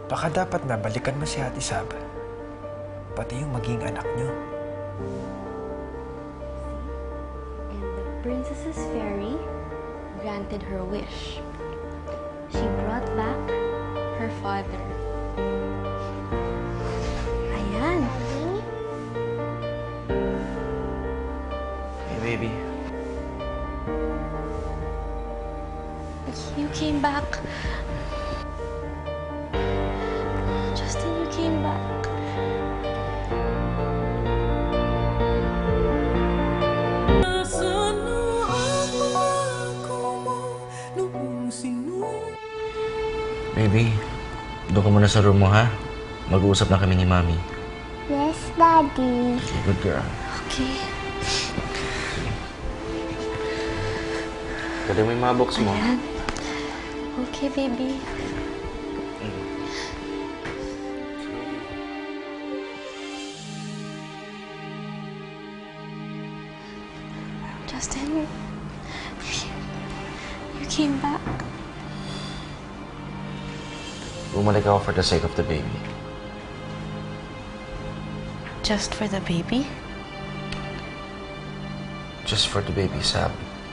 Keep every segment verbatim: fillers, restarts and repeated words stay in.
Baka dapat na balikan mo si Ate Sab. Pati yung maging anak niyo. And the princess's fairy granted her wish. She brought back her father. Ayan. Hey, baby. You came back. Justin, you came back. Baby, doon ka muna sa room mo, ha? Mag-uusap na kami ni Mami. Yes, Daddy. Good girl. Okay. Kada mo yung mga box mo. Ayan. Okay, baby. Justin, you came back. Bumalik ako for the sake of the baby. Just for the baby? Just for the baby, Sab.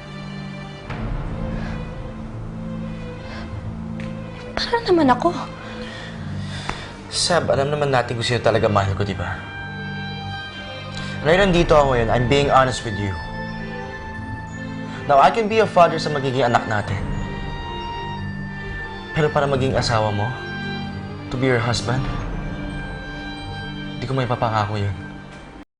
Para naman ako. Sab, alam naman natin kung sino talaga mahal ko, di ba? Ngayon nandito ako ngayon, I'm being honest with you. Now, I can be a father sa magiging anak natin. Pero para maging asawa mo, to be your husband, hindi ko may papangako yun.